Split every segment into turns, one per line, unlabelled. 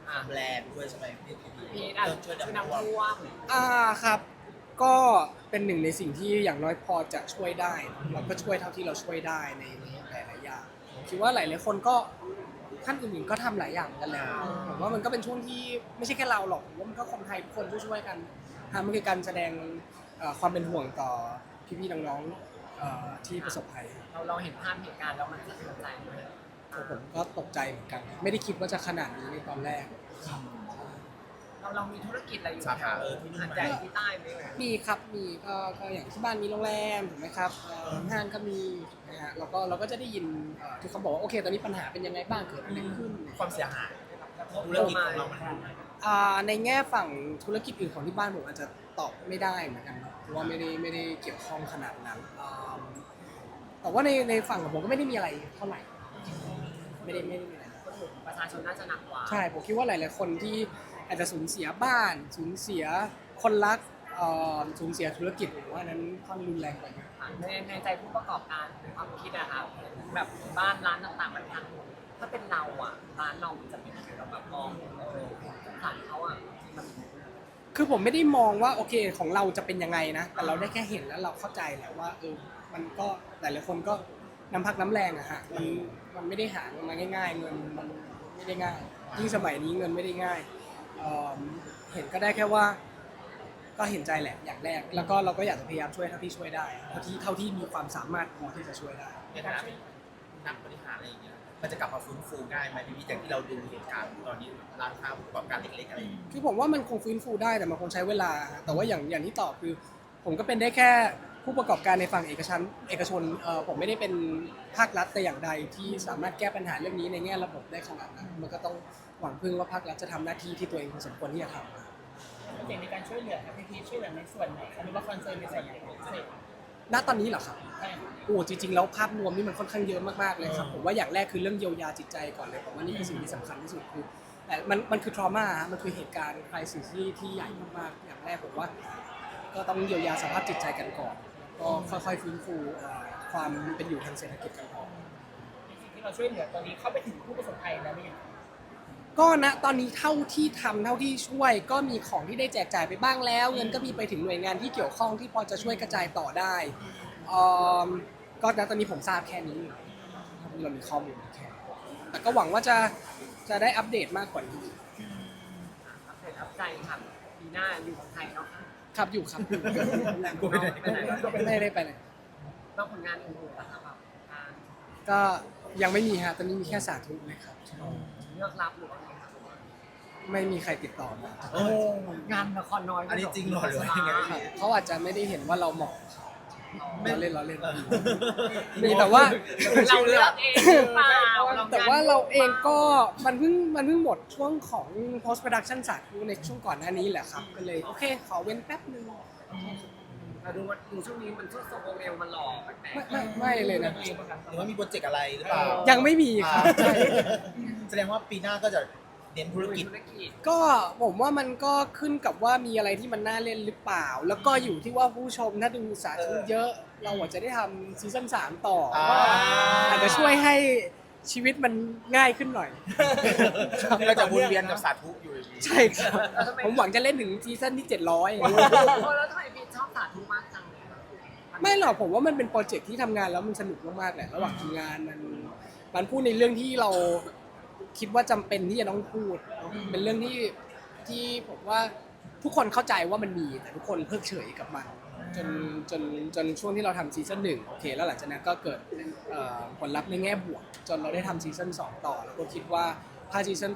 ทำแลนด์ด้วยใช่ไหมพี่
มีอ่ะช่วยน้ำท่วม
ครับก็เป็นหนึ่งในสิ่งที่อย่างน้อยพอจะช่วยได้เราก็ช่วยเท่าที่เราช่วยได้ในหลายๆอย่างผมคิดว่าหลายๆคนก็ท่านอื่นๆก็ทำหลายอย่างกันแล้วผมว่ามันก็เป็นช่วงที่ไม่ใช่แค่เราหรอกผมว่ามันก็คนไทยทุกคนช่วยๆกันมันคือการแสดงความเป็นห่วงต่อพี่ๆน้องๆที่ประสบภัย
เราเห็นภาพเหตุการณ์แล้วมันสะเทือนใจไหม
ผมก็ตกใจเหมือนกันไม่ได้คิดว่าจะขนาดนี้ในตอนแรก
เรามีธุรกิจอะไรอยู่
สา
แถ
ขาว ที่นู่น
หาด
ไหม
ใหญ่ที่ใต้ไหม
มีครับมีก็อย่างที่บ้านมีโรงแรมถูกไหมครับห้างก็มีนะฮะเราก็จะได้ยินที่เขาบอกว่าโอเคตอนนี้ปัญหาเป็นยังไงบ้างเกิดอะไรขึ้น
ความเสียหายธุรกิจของเรามัน
ในแง่ฝั่งธุรกิจอื่นของที่บ้านผมอาจจะตอบไม่ได้เหมือนกันเพราะว่าไม่ได้เกี่ยวข้องขนาดนั้นแต่ว่าในฝั่งของผมก็ไม่ได้มีอะไรเท่าไหร่ไม่ได้มีอะไร
ประชาชนน่าจะหนักกว่า
ใช่ผมคิดว่าหลายๆคนที่อาจจะสูญเสียบ้านสูญเสียคนรักสูญเสียธุรกิจผมว่านั้นค่อนรุนแรงกว่าเยอะ
ในใจผู้ประกอบการความคิดอะครับแบบบ้านร้านต่างๆมันพังถ้าเป็นเราอะร้านเราจะเป็นยังไงเราแบบมองสงสารเขาอะมัน
คือผมไม่ได้มองว่าโอเคของเราจะเป็นยังไงนะแต่เราได้แค่เห็นแล้วเราเข้าใจแหละว่ามันก็หลายๆคนก็น้ำพักน้ำแรงอะฮะมันไม่ได้หามาง่ายๆเงินมันไม่ได้ง่ายยิ่งสมัยนี้เงินไม่ได้ง่ายเห็นก็ได้แค่ว่าก็เห็นใจแหละอย่างแรกแล้วก็เราก็อยากจะพยายามช่วยเท่าที่ช่วยได้เท่าที่มีความสามารถพอที่จะช่วยได้
ในฐานะนักบริหารอะไรอย่างเงี้ยมันจะกลับมาฟื้นฟูง่ายไหมพี่จากที่เราดูเหตุการณ์ตอนนี้ร้านค้าผู้ประกอบการเล็กๆอะไรอย่างเงี้ย
คือผมว่ามันคงฟื้นฟูได้แต่มันคงใช้เวลาแต่ว่าอย่างที่ตอบคือผมก็เป็นได้แค่ผู้ประกอบการในฝั่งเอกชนผมไม่ได้เป็นภาครัฐแต่อย่างใดที่สามารถแก้ปัญหาเรื่องนี้ในแง่ระบบได้ขนาดนั้นมันก็ต้องหวังพึ่งว่าภาครัฐจะทำหน้าที่ที่ตัวเองสมควรที่จะทำ
เสียงในการช่วยเหลือครับพี่ช่วยเหลือในส่วนไหนหรือว่าคอนเซิร์นในส่วนไหนของพิเศษ
ณตอนนี้เหรอครับ
ใช่
โอ้จริงๆแล้วภาพรวมนี่มันค่อนข้างเยอะมากๆเลยครับผมว่าอย่างแรกคือเรื่องเยียวยาจิตใจก่อนเลยผมว่านี่คือสิ่งที่สำคัญที่สุดคือแต่มันคือ trauma ฮะมันคือเหตุการณ์ crisis ที่ใหญ่มากๆอย่างแรกผมว่าก็ต้องเยียวยาสภาพจิตใจกันก่อนก็ค่อยๆฟื้นฟูความเป็นอยู่ทางเศรษฐกิจกันก่อน
สิ่งที่เราช่วยเหลือตอนนี้เข้าไปถึงผู้ประสบภัยแล้วหรือยัง
ก็ณตอนนี้เท่าที่ทำเท่าที่ช่วยก็มีของที่ได้แจกจ่ายไปบ้างแล้วเงินก็มีไปถึงหน่วยงานที่เกี่ยวข้องที่พอจะช่วยกระจายต่อได้ก็ณตอนนี้ผมทราบแค่นี้เรามีข้อมูลแค่แต่ก็หวังว่าจะได้อัปเดตมากกว่านี้
อัปเดตอัพใจค่ะปีหน้าอยู่ของไทยเนาะ
ครับอยู่ครับ
กูไม่ได้
ไปไหน
ไม่ได้ไปไหน
ต้องผลงานอื่นๆนะครับแบบการ
ก็ยังไม่มีฮะตอนนี้มีแค่สาธุเลยครับ
เลือกรับหรือว่าไงครับ
ไม่มีใครติดต่อมา
โอ้
งานละครน้อย
อันนี้จริงเหรอหรือว่ายังไง
ครับเขาอาจจะไม่ได้เห็นว่าเราเหมาะเราเล่นมีแต่ว่า
เราเลือกเองหรือเปล่า
แต่ว่าเราเองก็มันเพิ่งหมดช่วงของ post production สาธุในช่วงก่อนหน้านี้แหละครับก็เลยโอเคขอเว้นแป๊บนึง
เราดูว่าช่วงนี้มันช่วงโซโกเอลมันหล่อแปลก
ไม่เลยนะ
หรือว่ามีโปรเจกต์อะไรหรือเปล่า
ยังไม่มีครับใช่
แสดงว่าปีหน้าก็จะเน้นธุรกิจ
ธุรกิจ
ก็ผมว่ามันก็ขึ้นกับว่ามีอะไรที่มันน่าเล่นหรือเปล่า แล้วก็อยู่ที่ว่าผู้ชมถ้าดูสาธุเยอะ เราอาจจะได้ทำซีซั่น3ต่ออาจจะช่วยให้ชีวิตมันง่ายขึ้นหน่อย
เราจะวนเวียนกับสาธุอยู่อย่างนี้
ใช่ครับผมหวังจะเล่นถึงซีซั่นที่700
แล้วทำไมพี่ชอบสาธุมากจังเลย
ไม่หรอกผมว่ามันเป็นโปรเจกต์ที่ทำงานแล้วมันสนุกมากๆแหละระหว่างทำงานมันพูดในเรื่องที่เราคิดว่าจำเป็นที่จะต้องพูดเป็นเรื่องที่ผมว่าทุกคนเข้าใจว่ามันมีแต่ทุกคนเพิกเฉยกับมันจนช่วงที่เราทำซีซั่น1โอเคแล้วหลังจากนั้นก็เกิดผลลัพธ์ในแง่บวกจนเราได้ทำซีซั่น2ต่อแล้วก็คิดว่าถ้าซีซั่น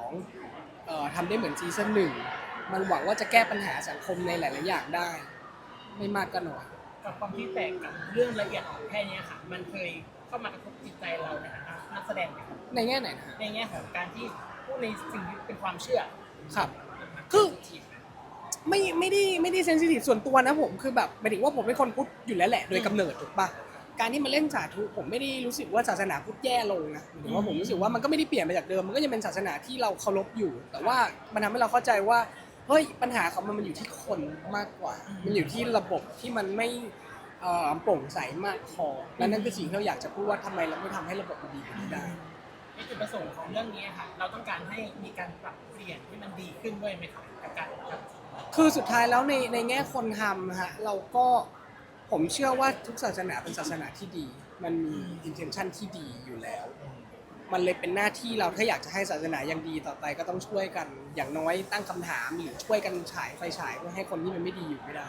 2ทำได้เหมือนซีซั่น1มันหวังว่าจะแก้ปัญหาสังคมในหลายๆอย่างได้ไม่มากก็น้อย
กับความที่แตกกับเรื่องละเอียดอ่อนแค่นี้ค่ะมันเคยเข้ามากระทบจิตใจเราในฐานะนักแสดงไหมครับ
ในแง่ไหนนะฮะ
ในแง่ของการที่พูดในสิ่งที่เป็นความเชื่อ
ครับคือไม่ได้เซนซิทีฟส่วนตัวนะผมคือแบบหมายถึงว่าผมเป็นคนพุทธอยู่แล้วแหละโดยกำเนิดถูกปะการที่มาเล่นสาธุผมไม่ได้รู้สึกว่าศาสนาพุทธแย่ลงนะหมายถึงว่าผมรู้สึกว่ามันก็ไม่ได้เปลี่ยนไปจากเดิมมันก็ยังเป็นศาสนาที่เราเคารพอยู่ แต่ว่ามันทำให้เราเข้าใจว่าเฮ้ยปัญหาของมันอยู่ที่คนมากกว่า มันอยู่ที่ระบบที่มันไม่โปร่งใสมากพอและนั่นคือสิ่งที่เราอยากจะพูดว่าทำไมเราไม่ทำให้ระบบมันดีกว่านี้ได้
ในจุดประสงค์ของเรื่องนี้ค่ะ เราต้องการให้มีการปรับเปลี่ยนให้มันดีขึ้นด้วยไหมคะกับการครับ
คือสุดท้ายแล้วในแง่คนทำฮะเราก็ผมเชื่อว่าทุกศาสนาเป็นศาสนาที่ดี มันมี intention ที่ดีอยู่แล้ว มันเลยเป็นหน้าที่เราถ้าอยากจะให้ศาสนายังดีต่อไปก็ต้องช่วยกันอย่างน้อยตั้งคำถามหรือช่วยกันฉายไฟฉายเพื่อให้คนที่มันไม่ดีอยู่ไม่ได้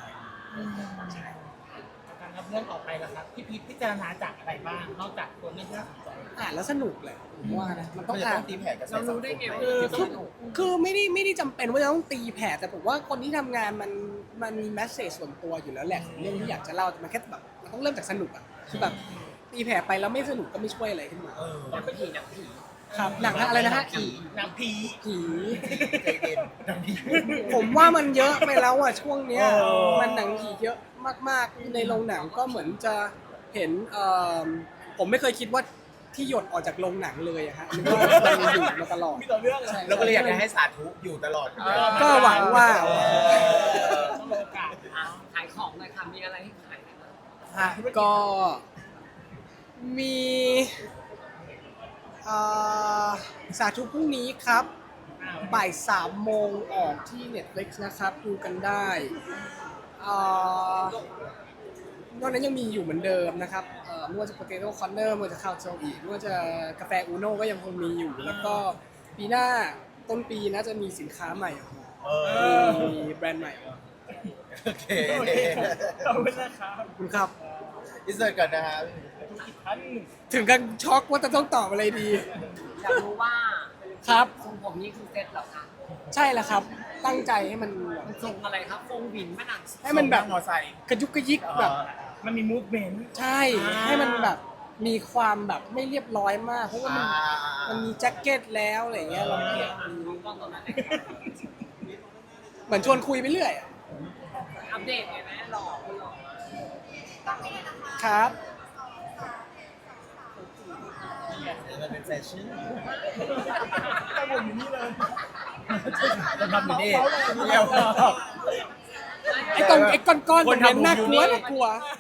การรับเรื่องออกไปแล้วครับพี่พีชพิจารณาจากอะไรบ้างนอกจากตัวเรื่องที่น่าสนใจ
อ่านแล้วสนุกแหละผมว่านะมันต้
ก็
อง
จะ
อ่า
ต้อน งตีแผ่กระแส
เรา
สัง
รู้
ค
ได้
ม
ไง
ไหม
ว่า
คือไม่ได้จำเป็นว่าจะต้องตีแผ่แต่ผมว่าคนที่ทำงานมันมีแมสเซจส่วนตัวอยู่แล้วแหละเรื่องที่อยากจะเล่าแต่มันแค่แบบมันต้องเริ่มจากสนุกอ่ะคือแบบตีแผ่ไปแล้วไม่สนุกก็ไม่ช่วยอะไรขึ้นมา
หนังผีหนังผี
ครับหนังอะไรนะฮะ
หนังผี
ผี
ใจเย็นดังนี้
ผมว่ามันเยอะไปแล้วอ่ะช่วงเนี้ย
เออ
มันหนังผีเยอะมากๆในโรงหนังก็เหมือนจะเห็นผมไม่เคยคิดว่าที่หยดออกจากโรงหนังเลยอะฮะนึกว่ามันอยู่มาตลอด
มีต่อเรื่องเหรอ
ใช่
เราก็เลยอยากจะให้สาธุอยู่ตลอด
ก็หวังว่า
ต้องโอกาส
อ่ะขายของหน่อยค่ะมีอะไรให้ขายกันบ้าง
ฮะก็มีสาธุพรุ่งนี้ครับบ่าย3 โมงออกที่ Netflix นะครับดูกันได้นอกนั้นยังมีอยู่เหมือนเดิมนะครับไม่ว่าจะ Potato Corner ไม่ว่าจะข้าวโซอีไม่ว่าจะกาแฟอูโน่ก็ยังคงมีอยู่ แล้วก็ปีหน้าต้นปีน่าจะมีสินค้าใหม่ออกมา มีแบรนด์ใหม่ออกมา
โอเค
โอเคขอบคุณนะครับ
ขอบคุณครับ
อินเสิร์ตก่อนนะฮะ
ธุรกิจท่าน
ถึงกันช็อกว่าจะต้องตอบอะไรดี
อยากรู้ว่า
ครับ
ทรงผมนี่คือเซ็ตเหรอคะ
ใช่แล้วครับ ตั้งใจให้มัน
มันทรงอะไรครับทรงหวินแม่นาง
ให้มันแบบ
มอไซค์
กระยุกกระยิกแบบ
มันมีมูฟเมนต์
ใช่ ให้มันแบบมีความแบบไม่เรียบร้อยมาก เพราะว่ามันมีแจ็คเก็ตแล้วอะไรเงี้ยเราเกลียด
กล้องตอนนั้นเลย
เหมือนชวนคุยไปเรื่อยอะ
อัปเดตไงแม่หล่อคุณหล่อ
ครับ
มันเป็นแฟชั่น
แต่ผมอยู่นี่เลย
จะทำอยู่นี่เดียว
ไอ้ก้อนๆตรงนั้นน่ากลัวน่ากลัว